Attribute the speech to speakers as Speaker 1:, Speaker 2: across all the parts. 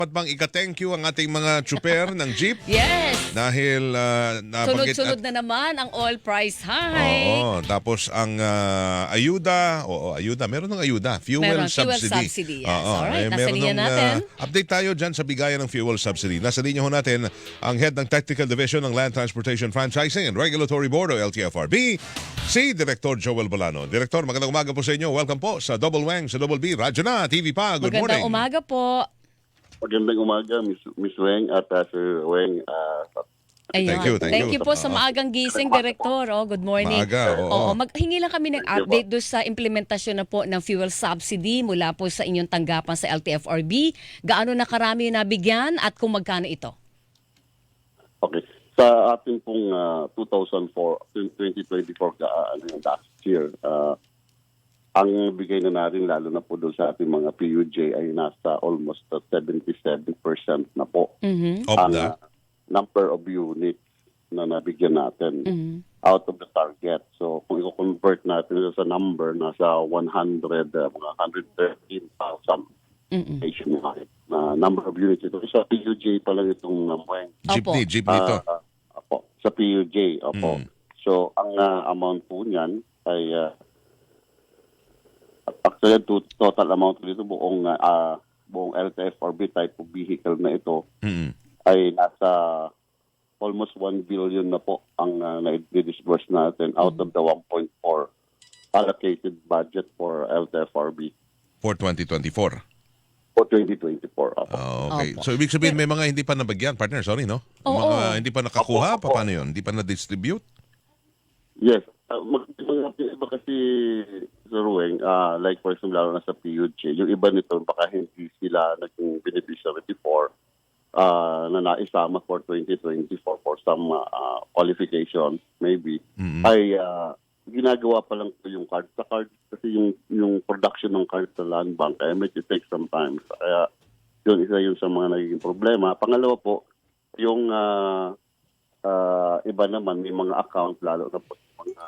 Speaker 1: dapat bang ika-thank you ang ating mga tsuper ng jeep?
Speaker 2: Yes!
Speaker 1: Dahil nabanggit
Speaker 2: Sunod-sunod na naman ang oil price hike.
Speaker 1: Oo, tapos ang ayuda, ayuda, meron ng ayuda, fuel
Speaker 2: Meron, fuel
Speaker 1: subsidy.
Speaker 2: subsidy, yes.
Speaker 1: Oo,
Speaker 2: Alright, nasa
Speaker 1: meron
Speaker 2: linya
Speaker 1: ng,
Speaker 2: natin.
Speaker 1: update tayo dyan sa bigayan ng fuel subsidy. Nasa linya ho natin ang head ng Technical Division ng Land Transportation Franchising and Regulatory Board o LTFRB, si Director Joel Bolano. Director, magandang umaga po sa inyo. Welcome po sa Double Wang, sa Double B, Radyo na, TV pa. Good
Speaker 2: Magandang
Speaker 1: morning.
Speaker 2: umaga po.
Speaker 3: Magandang umaga, Miss Weng at Sir Weng.
Speaker 2: Ayun.
Speaker 1: Thank you.
Speaker 2: you po sa maagang gising, Director. Good morning.
Speaker 1: Maaga, oo.
Speaker 2: Maghingi lang kami ng update doon sa implementasyon na po ng fuel subsidy mula po sa inyong tanggapan sa LTFRB. Gaano na karami yung nabigyan at kung magkano ito?
Speaker 3: Okay. Sa ating pong 2024 last year, ang bigay na natin lalo na po doon sa ating mga PUJ ay nasa almost 77% na po.
Speaker 2: Mm-hmm.
Speaker 1: Of
Speaker 3: Ang
Speaker 1: the
Speaker 3: number of units na nabigyan natin out of the target. So kung i-convert natin sa number, nasa 113,000 nationwide na number of units ito. Sa PUJ pa lang itong
Speaker 1: jeepney to.
Speaker 3: Opo, sa PUJ. Opo. So ang amount po niyan ay actually, total amount dito buong LTFRB type of vehicle na ito ay nasa almost 1 billion na po ang na-disburse natin out of the 1.4 allocated budget for LTFRB
Speaker 1: For 2024.
Speaker 3: for 2024. Opo.
Speaker 1: Okay.
Speaker 2: Opo.
Speaker 1: So, ibig sabihin, may mga hindi pa nabagyan, partner. Sorry, no?
Speaker 2: Oo.
Speaker 1: Mga hindi pa nakakuha.
Speaker 3: Opo.
Speaker 1: Paano yun? Hindi pa na-distribute?
Speaker 3: Yes. Iba kasi, Sir Weng, like for example, lalo na sa PUJ, yung iba nito, baka hindi sila naging beneficiary before na naisama for 2024 for some qualification, maybe, ay ginagawa pa lang po yung card. Sa card, kasi yung production ng card sa land bank, kaya medyo take some time. Kaya yun, isa yun sa mga nagiging problema. Pangalawa po, yung iba naman, may mga account, lalo na po mga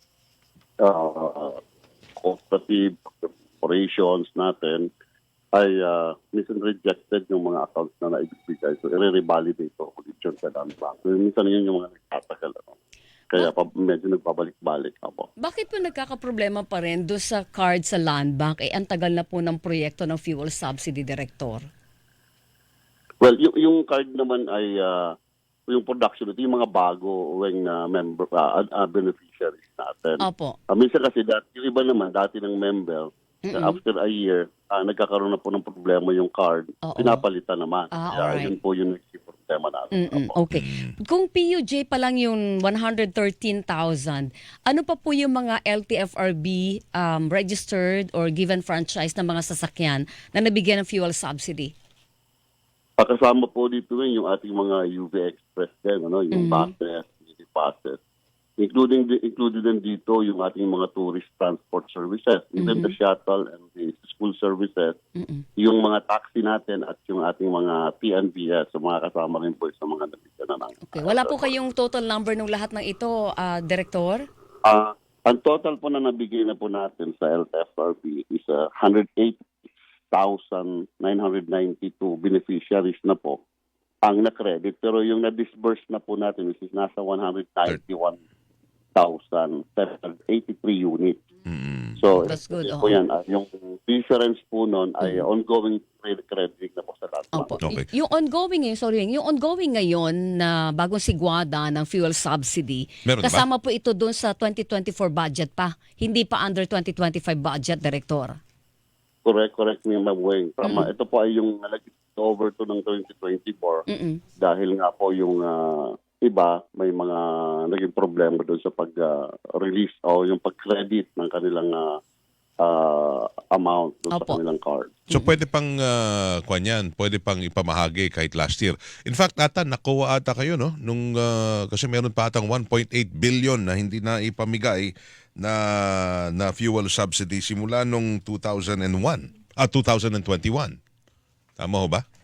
Speaker 3: cooperative operations natin ay minsan rejected yung mga accounts na naibigay. So, i-revalidate po ulit yun sa land bank. So, minsan yun yung mga nagtatagal. Kaya medyo nagbabalik-balik na po.
Speaker 2: Bakit po nagkakaproblema pa rin doon sa card sa land bank? Ang tagal na po ng proyekto ng fuel subsidy, Director.
Speaker 3: Well, yung card naman ay yung production, ito yung mga bago na member, beneficiaries natin.
Speaker 2: Opo.
Speaker 3: Minsan kasi yung iba naman, dati ng member, after a year, nagkakaroon na po ng problema yung card, pinapalitan naman.
Speaker 2: Alright.
Speaker 3: Yun po yung naging problema natin.
Speaker 2: Okay. Kung PUJ pa lang yung 113,000, ano pa po yung mga LTFRB registered or given franchise na mga sasakyan na nabigyan ng fuel subsidy?
Speaker 3: Kasama po dito yung ating mga UV Express din, yung buses, city buses. Included din dito yung ating mga tourist transport services, even the shuttle and the school services, yung mga taxi natin at yung ating mga TNVS, so mga kasama rin po sa mga nabigyan na ng.
Speaker 2: Okay. Wala po kayong total number ng lahat ng ito, Director?
Speaker 3: Ang total po na nabigay na po natin sa LTFRB is 108,992 beneficiaries na po ang na-credit. Pero yung na-disburse na po natin is nasa 191,783 units. So,
Speaker 2: That's good.
Speaker 3: po yan. Yung difference po nun ay ongoing crediting na po sa lahat.
Speaker 2: Opo.
Speaker 1: Okay.
Speaker 2: Yung ongoing ngayon na bagong sigwada ng fuel subsidy,
Speaker 1: Meron ba?
Speaker 2: kasama po ito doon sa 2024 budget pa. Hindi pa under 2025 budget, Director.
Speaker 3: Correct me, Ma'am Weng. Ito po ay yung over to ng 2024 dahil nga po yung iba may mga naging problema doon sa pag-release o yung pag-credit ng kanilang amount doon sa kanilang card.
Speaker 1: So pwede pang pwede pang ipamahagi kahit last year. In fact, nakuha ata kayo no nung kasi meron pa atang 1.8 billion na hindi na ipamigay na fuel subsidy simula nung 2021. 2021. Tama ho ba?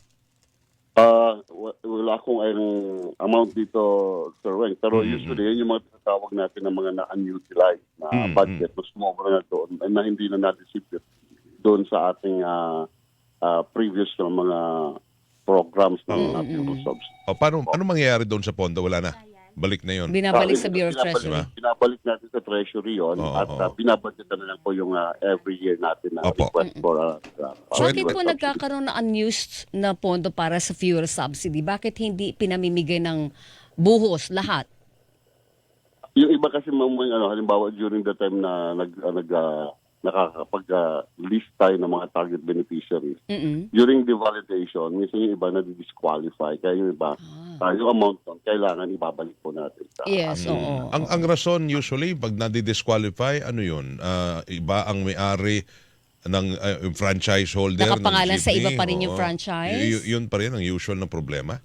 Speaker 3: Wala akong amount dito, Sir Weng. Pero usually, yun yung mga tinatawag natin ng mga na-unutilized na budget na sumobra na doon na hindi na na-distribute doon sa ating previous na mga programs ng fuel subsidy.
Speaker 1: O, ano mangyayari doon sa pondo? Wala na. Balik na yun.
Speaker 2: Binabalik sa Bureau of Treasury.
Speaker 3: Binabalik natin sa Treasury yun at binabudgetan na lang po yung every year natin na
Speaker 1: Opo.
Speaker 3: request for
Speaker 2: Bakit
Speaker 3: fuel
Speaker 2: po
Speaker 3: subsidy.
Speaker 2: nagkakaroon na unused na pondo para sa fuel subsidy? Bakit hindi pinamimigay ng buhos lahat?
Speaker 3: Yung iba kasi halimbawa during the time na nakakapag-list tayo ng mga target beneficiaries. During the validation, minsan yung iba na-disqualify. Kaya yung iba, yung amount doon, kailangan ibabalik po natin.
Speaker 2: Yes, oo.
Speaker 1: Ang rason usually, pag nadi-disqualify, ano yun? Iba ang may-ari ng franchise holder.
Speaker 2: Nakapangalan
Speaker 1: ng
Speaker 2: sa iba
Speaker 1: jeepney,
Speaker 2: pa rin yung
Speaker 1: oo.
Speaker 2: franchise?
Speaker 1: Yun pa rin ang usual na problema.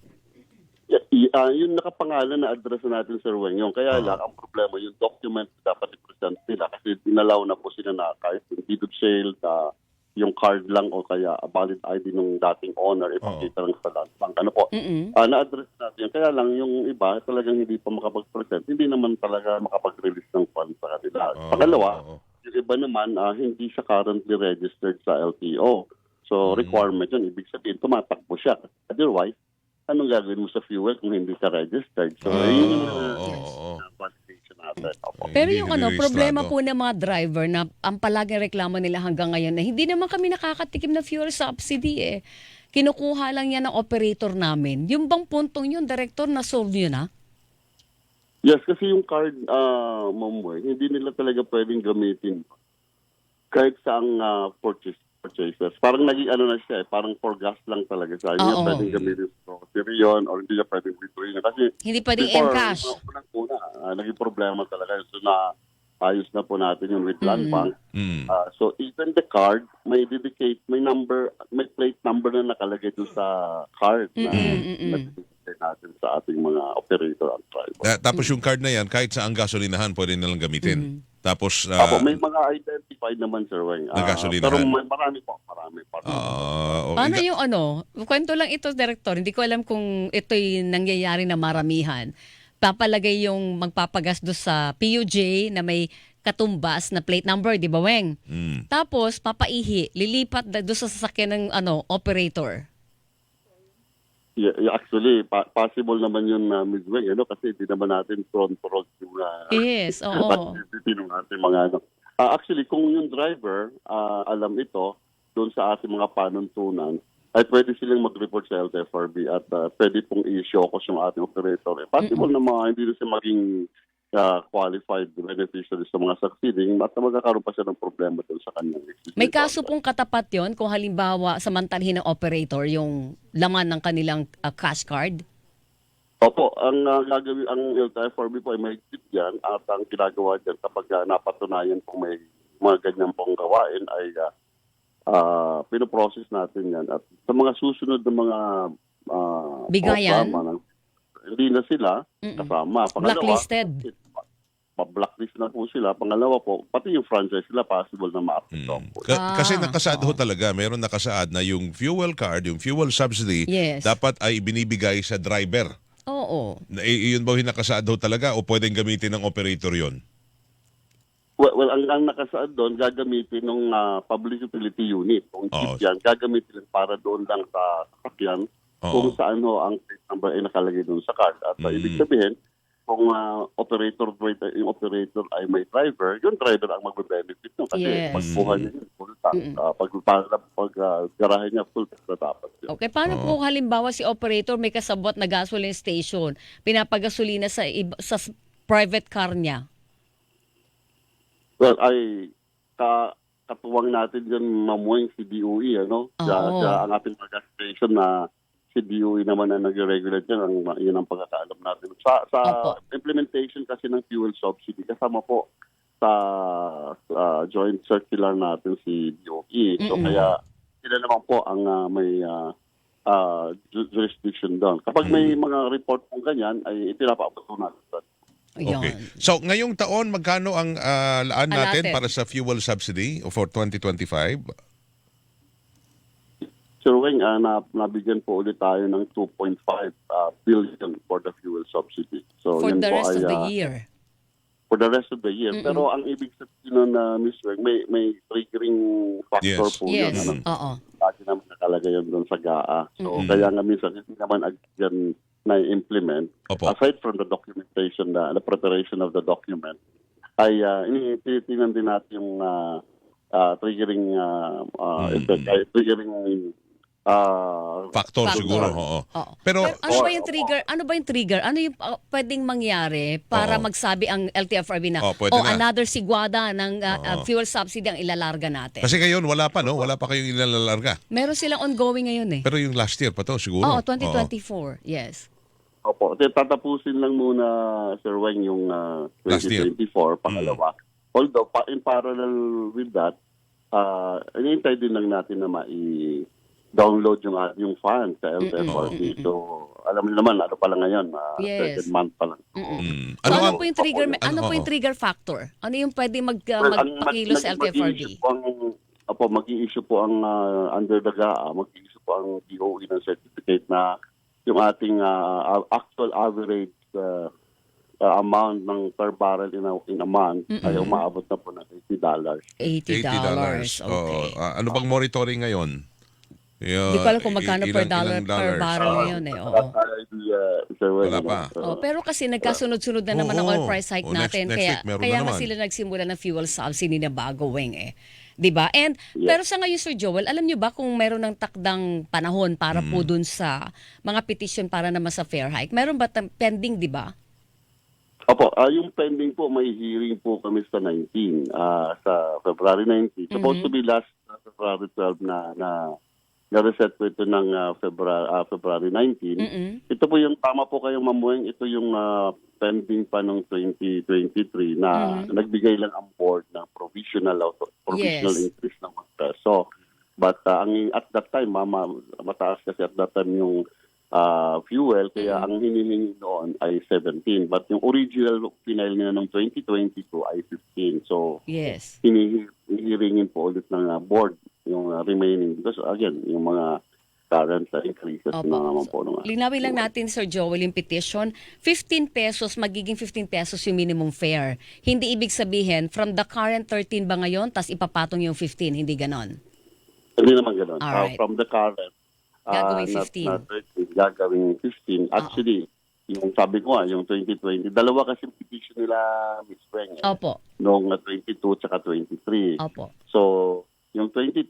Speaker 3: Yung nakapangalan na address natin, Sir Weng, yung kaya lang, ang problema, yung document dapat i-present nila kasi dinalaw na po sila na kahit yung deed of sale, yung card lang o kaya a valid ID ng dating owner, ipakita lang sa land bank. Ano po? Na-address natin. Kaya lang yung iba talagang hindi pa makapag-present, hindi naman talaga makapag-release ng funds sa kanila. Pangalawa, yung iba naman hindi siya currently registered sa LTO. So requirement yun, ibig sabihin, tumatakbo siya. Otherwise, anong gagawin mo sa fuel kung hindi ka registered? So, yun yung validation natin. Opo.
Speaker 2: Pero
Speaker 1: Hindi
Speaker 2: yung
Speaker 1: nire-rehistrado.
Speaker 2: problema po ng mga driver na ang palaging reklamo nila hanggang ngayon na hindi naman kami nakakatikim na fuel subsidy eh. Kinukuha lang yan ng operator namin. Yung bang puntong yun, Director, na-solve nyo na?
Speaker 3: Yes, kasi yung card, Ma'am Weng, hindi nila talaga pwedeng gamitin kahit saang purchases. Parang naging na siya parang for gas lang talaga siya. Hindi niya pwedeng gamitin sa grocery yun or hindi niya pwedeng withdraw yun. Kasi
Speaker 2: Hindi pwedeng
Speaker 3: before,
Speaker 2: M-cash.
Speaker 3: Unang-una, naging problema talaga. So ayos na po natin yung with land bank. So even the card, may number, may plate number na nakalagay doon sa card na nagbibigay natin sa ating mga operator at driver.
Speaker 1: Tapos yung card na yan, kahit sa ang gasolinahan, pwede nilang gamitin. Tapos,
Speaker 3: May mga identified naman, Sir Weng.
Speaker 1: Na gasolinahan.
Speaker 3: Pero marami po.
Speaker 2: Paano yung kwento lang ito, Director, hindi ko alam kung ito'y nangyayari na maramihan. Papalagay yung magpapagas do sa PUJ na may katumbas na plate number, di ba, Weng? Tapos, papaihi, lilipat do sa sasakyan ng operator.
Speaker 3: Yeah, actually, possible naman yun na Ms. Weng, kasi hindi naman natin front-front yung
Speaker 2: Yes, oo.
Speaker 3: activity ng ating mga actually, kung yung driver alam ito, doon sa ating mga panuntunan, ay pwede silang mag-report sa LTFRB at pwede pong i-show yung ating operator. Possible na hindi na siya maging qualified beneficiaries sa mga succeeding at magkakaroon pa siya ng problema doon sa kanyang existing.
Speaker 2: May kaso pong katapat yon kung halimbawa samantalhin ng operator yung laman ng kanilang cash card?
Speaker 3: Opo, ang gagawin ang LTFRB po ay may tip yan at ang ginagawa dyan kapag napatunayan pong may mga ganyan pong gawain ay pinoprocess natin yan. At sa mga susunod na mga
Speaker 2: Bigayan?
Speaker 3: Hindi na sila kasama.
Speaker 2: Blacklisted?
Speaker 3: Pa-blacklist na po sila. Pangalawa po, pati yung franchise sila possible na ma-approve po.
Speaker 1: Kasi nakasaad ho talaga, meron nakasaad na yung fuel card, yung fuel subsidy,
Speaker 2: Yes.
Speaker 1: dapat ay binibigay sa driver.
Speaker 2: Oo.
Speaker 1: Yun ba yung nakasaad ho talaga o pwedeng gamitin ng operator yon?
Speaker 3: Well, ang nakasaad doon, gagamitin ng public utility unit. Kung jeep yan, gagamitin para doon lang sa sasakyan kung saan ang plate number ay nakalagay doon sa card. At ibig sabihin, kung yung operator ay may driver, yung driver ang magbe-benefit nun. Kasi pagbuhan niya yun, full tank. Pag garahe niya, full tank na dapat yun.
Speaker 2: Okay, paano po halimbawa si operator may kasabot na gasoline station, pinapagasolina sa private car niya?
Speaker 3: Well, katuwang natin dyan mamuhay si DOE, Siya ang ating gas station na si DOE naman na nag-regulate yan, yun ang pagkakaalam natin. Sa implementation kasi ng fuel subsidy, kasama po sa joint circular natin si DOE. So kaya sila naman po ang may jurisdiction doon. Kapag may mga report pong ganyan, ay ipinapaabot natin.
Speaker 1: Okay. So, ngayong taon, magkano ang laan natin para sa fuel subsidy for 2025?
Speaker 3: Sir Weng, nabigyan po ulit tayo ng 2.5 billion for the fuel subsidy. So,
Speaker 2: For
Speaker 3: yan
Speaker 2: the
Speaker 3: po
Speaker 2: rest
Speaker 3: ay,
Speaker 2: of the year?
Speaker 3: For the rest of the year. Pero ang ibig sabihin nun, Ms. Weng, may triggering factor po yun.
Speaker 2: Yes. Oo.
Speaker 3: lagi naman nakalagay yun doon sa GAA. So, kaya nga minsan, hindi naman agad na-implement.
Speaker 1: Opo.
Speaker 3: Aside from the documentation, the preparation of the document, ay tinitingnan din natin yung triggering effect, triggering
Speaker 1: Factor
Speaker 2: Factor.
Speaker 1: siguro, oo.
Speaker 2: Oo.
Speaker 1: Pero
Speaker 2: ano ba yung trigger? Ano ba yung trigger? Ano yung pwedeng mangyari para
Speaker 1: Oo.
Speaker 2: magsabi ang LTFRB na
Speaker 1: Pwede na.
Speaker 2: another sigwada ng
Speaker 1: Oo.
Speaker 2: fuel subsidy ang ilalarga natin?
Speaker 1: kasi ngayon wala pa, no? Wala pa kayong ilalarga.
Speaker 2: Meron silang ongoing ngayon eh.
Speaker 1: Pero yung last year pa to siguro.
Speaker 2: Oo, 2024. Yes.
Speaker 3: Opo, tatapusin lang muna, Sir Weng, yung
Speaker 1: Last year.
Speaker 3: 2024, pangalawa. Although, in parallel with that, inintay din lang natin na download yung fund sa LTFRB. So, alam mo naman, ano pa lang ngayon,
Speaker 2: Yes.
Speaker 3: second month pa lang.
Speaker 2: So, ano po yung trigger? Ano po yung trigger factor? Ano yung pwede magpakilo sa LTFRB?
Speaker 3: Mag-i-issue po ang under the GAA, mag-i-issue po ang DOE ng certificate na yung ating actual average amount ng per barrel in a month ay umaabot na po ng $80.
Speaker 2: $80. Okay.
Speaker 1: Ano bang monitoring ngayon?
Speaker 2: Hindi ko alam kung magkano per barrel ngayon eh. Oo.
Speaker 1: Wala pa.
Speaker 2: Pero kasi nagkasunod-sunod na naman ang oil price hike
Speaker 1: Next
Speaker 2: natin.
Speaker 1: week meron
Speaker 2: Kaya
Speaker 1: na
Speaker 2: nga
Speaker 1: naman.
Speaker 2: sila nagsimula ng fuel subsidy na bago, Weng eh. 'Di ba? And pero sa ngayon, Sir Joel, alam niyo ba kung meron ng takdang panahon para po dun sa mga petition para naman sa fair hike? Meron ba pending, 'di ba?
Speaker 3: Opo, yung pending po, may hearing po kami sa 19, sa February 19. Supposed to be last February 12 na-reset po ito ng February 19. Ito po yung, tama po kayong mamueng, ito yung pending pa ng 2023 na nagbigay lang ang board ng provisional increase ng peso. But at that time, mataas kasi at that time yung fuel, kaya ang hinihingi noon ay 17. But yung original final nila ng 2022 ay 15. So,
Speaker 2: Yes.
Speaker 3: hinihiringin po ulit ng board yung remaining. Because again, yung mga current increases na naman po.
Speaker 2: Linawin lang natin, Sir Joel, yung petition. 15 pesos, magiging 15 pesos yung minimum fare. Hindi ibig sabihin, from the current 13 ba ngayon, tas ipapatong yung 15, hindi ganon?
Speaker 3: Hindi naman ganun.
Speaker 2: Alright.
Speaker 3: From the current,
Speaker 2: Gagawing 15.
Speaker 3: Gagawing 15. Actually, yung sabi ko yung 2020, dalawa kasi petition nila, Ms. Weng.
Speaker 2: Opo.
Speaker 3: Noong 22 tsaka 23.
Speaker 2: Opo.
Speaker 3: So, yung 22,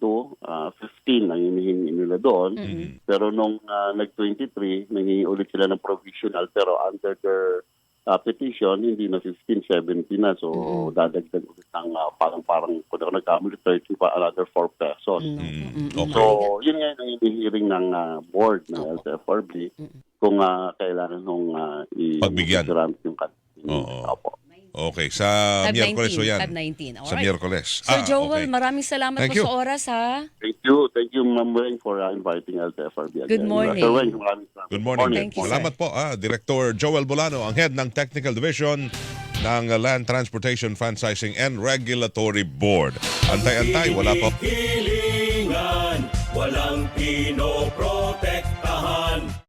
Speaker 3: 15 ang hinihingi nila doon. Pero nung nag-23, nangingi ulit sila ng provisional. Pero under their petition, hindi na 15, 17 na. So, dadagdag ulit ng parang kung ako nagkamali, 30 pa, another 4 pesos.
Speaker 1: Okay.
Speaker 3: So, yun nga yung hinihiring ng board ng LTFRB kung kailangan nung
Speaker 1: Pagbigyan.
Speaker 3: i-grant yung
Speaker 1: Oo.
Speaker 3: Opo.
Speaker 1: Okay, sa Miyerkules o yan.
Speaker 2: 519.
Speaker 1: Sa
Speaker 2: Alright.
Speaker 1: Miyerkules.
Speaker 2: Sir Joel,
Speaker 1: okay.
Speaker 2: maraming salamat
Speaker 1: Thank
Speaker 2: po
Speaker 1: you.
Speaker 2: sa oras, ha?
Speaker 3: Thank you, Ma'am Weng, for inviting LTFRB again.
Speaker 2: Good morning.
Speaker 3: Sir Weng, maraming salamat.
Speaker 1: Good morning.
Speaker 2: Thank you, sir.
Speaker 1: Salamat po, Director Joel Bolano, ang head ng Technical Division ng Land Transportation Franchising and Regulatory Board. Antay-antay, wala pa.
Speaker 4: Hilingan, walang pinoprotektahan.